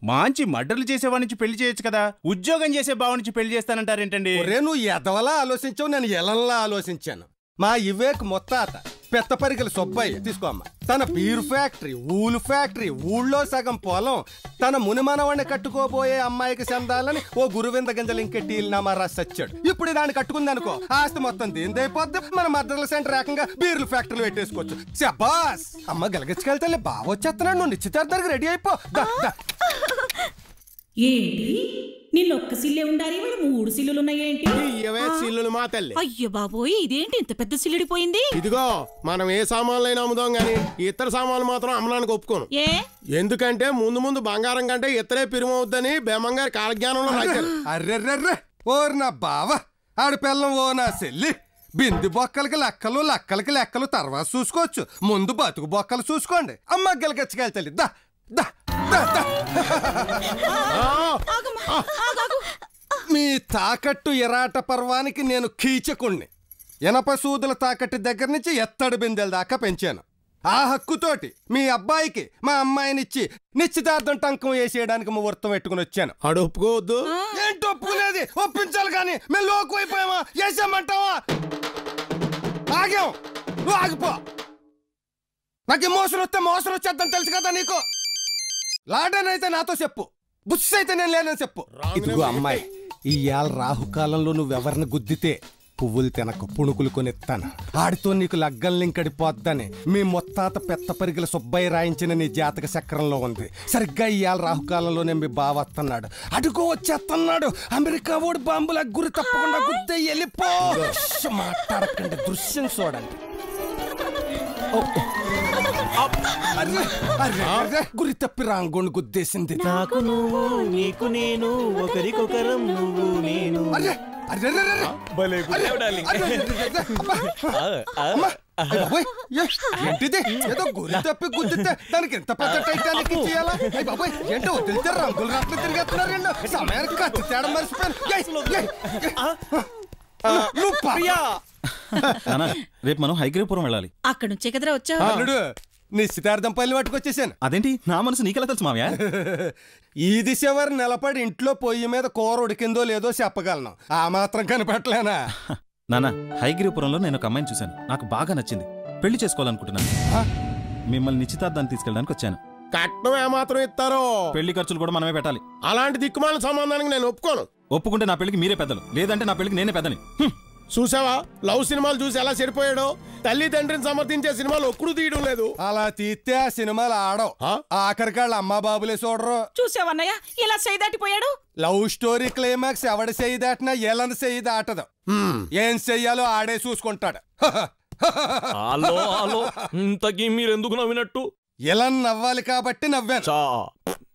మంచి మర్డర్లు చేసేవాడి నుంచి పెళ్లి చేయొచ్చు కదా, ఉద్యోగం చేసే బావ నుంచి పెళ్లి చేస్తానంటారేంటండి? నువ్వు ఎదవలా ఆలోచించావు, నేను ఎలంలా ఆలోచించాను. మా వివేక్ మొత్తాత పెత్తపరికల సుబ్బయ్య తీసుకోమ్మ, తన పీరు ఫ్యాక్టరీ, ఊలు ఫ్యాక్టరీ, ఊళ్ళో సగం పొలం, తన మునిమనవాడిని కట్టుకోబోయే అమ్మాయికి చెందాలని ఓ గురువింద గింజలు ఇంకెట్టీలనామా రాసి వచ్చాడు. ఇప్పుడు దాన్ని కట్టుకుంది అనుకో, ఆస్తి మొత్తం దేనిదైపోద్ది. మన మర్దర్ల సెంటర్ ఏకంగా బీర్లు ఫ్యాక్టరీలు పెట్టేసుకోవచ్చు. శబాస్ అమ్మ గెలగచ్చుకెళ్తే బాగా వచ్చేస్తున్నాడు. నువ్వు నిశ్చితార్థానికి రెడీ అయిపో. ఏంటి నిన్నొక్క సిల్లే ఉండాలి, వాళ్ళు 3 సిల్లులున్నాయేంటి? సిల్లులు మా తల్లి. అయ్యో బాబోయ్, ఇదేంటి ఇంత పెద్ద సిల్లుడిపోయింది? ఇదిగో మనం ఏ సామాన్లైనా అమ్ముదాం గానీ ఇతర సామాన్లు మాత్రం అమ్మడానికి ఒప్పుకోను. ఎందుకంటే ముందు బంగారం కంటే ఇతరే పిరుమవుద్దని బేమంగారు కాలజ్ఞానంలో రాశారు. అర్రెర్రెర్రె ఓర్ నా బావ, ఆడి పిల్లం ఓ నా చెల్లి. బింది బొక్కలకి లెక్కలు, లెక్కలకి లెక్కలు తర్వాత చూసుకోవచ్చు, ముందు బతుకు బొక్కలు చూసుకోండి. అమ్మ గెలగచ్చుకెళ్తాలి. దా దా మీ తాకట్టు ఎరాట పర్వానికి నేను కీచకుణ్ణి. ఎనప సూదుల తాకట్టు దగ్గర నుంచి ఎత్తడి బిందెల దాకా పెంచాను. ఆ హక్కుతోటి మీ అబ్బాయికి మా అమ్మాయినిచ్చి నిశ్చితార్థం టంకం వేసేయడానికి ముహూర్తం పెట్టుకుని వచ్చాను. ఆడు ఒప్పుకోవద్దు. ఏంటి ఒప్పుకునేది? ఒప్పించాలి కానీ మేము లోకు అయిపోయామా? వేసామంటావా? ఆగాం, నువ్వు ఆగిపో. నాకు మోసం వస్తే మోసం వచ్చేద్దాం తెలుసు కదా నీకు. లాడన్ అయితే నాతో చెప్పు, బుస్ అయితే నేను లేనని చెప్పు. ఇదిగో అమ్మాయి, ఇవాళ రాహుకాలంలో నువ్వెవరిని గుద్దితే పువ్వులు తినకు, పుణుకులు కొనిస్తాను. ఆడితో నీకు లగ్గం లింకడిపోద్దని మీ మొత్తాత పెత్తపరికల సుబ్బయ్య రాయించిన నీ జాతక చక్రంలో ఉంది. సరిగ్గా ఇవాళ రాహుకాలంలోనే మీ బావ వస్తున్నాడు. అడుగో వచ్చేస్తున్నాడు. అమెరికా ఓడి బాంబుల గురి తప్పకుండా గుద్దే వెళ్ళిపో. మాట్లాడకండి, దృశ్యం చూడండి. గురి తప్పి రాంగోని గుద్దేసింది. నాకు నువ్వు, నీకు నేను, ఒకరికొకరం నువ్వు నేను. ఏంటిది? ఏదో గురి తప్పి గుద్దితే దానికి ఎంత పెద్ద టైటానిక్ చేయాలా? బాబాయ్ ఏంటో వదిలితే రంగులు రాత్రి తిరిగేస్తున్నారు. సమయానికి కత్తి తేడా మర్చిపోయాను. రేపు మనం హైగ్రీపురం వెళ్ళాలి. అక్కడ నుంచే కదరా వచ్చావు. నిశ్చితార్థం పల్లి పట్టుకొచ్చేసాను. అదేంటి నా మనసు నీకెలా తెలుసు మావయ్య? ఈ దిశ వారు నిలబడి ఇంట్లో పొయ్యి మీద కూర ఉడికిందో లేదో చెప్పగలను. ఆ మాత్రం కనిపెట్టలేనా? నాన్న, హైగ్రీపురంలో నేను ఒక అమ్మాయిని చూశాను, నాకు బాగా నచ్చింది. పెళ్లి చేసుకోవాలనుకుంటున్నాను. మిమ్మల్ని నిశ్చితార్థానికి తీసుకెళ్ళడానికి వచ్చాను. కట్నం ఏమాత్రం ఇస్తారో? పెళ్లి ఖర్చులు కూడా మనమే పెట్టాలి. అలాంటి దిక్కుమాల సంబంధానికి నేను ఒప్పుకోను. ఒప్పుకుంటే నా పెళ్లికి మీరే పెద్దలు, లేదంటే నా పెళ్లికి నేనే పెద్దని. చూసావా లవ్ సినిమాలు చూసి ఎలా చెడిపోయాడో? తల్లి తండ్రిని సమర్థించే సినిమాలు ఒక్కడు తీయడం లేదు. అలా తీస్తే ఆ సినిమాలు ఆడవు. ఆఖరికాళ్ళ అమ్మా బాబులే చూడరు. చూసావన్నయ్య ఇలా చేయి దాటిపోయాడు. లవ్ స్టోరీ క్లైమాక్స్ ఎవడ చేయి దాటినా ఎలని చేయి దాటదు. ఏం చెయ్యాలో ఆడే చూసుకుంటాడు. ఇంతకీ మీరెందుకు నవ్వినట్టు? ఎలా నవ్వాలి కాబట్టి నవ్వాను.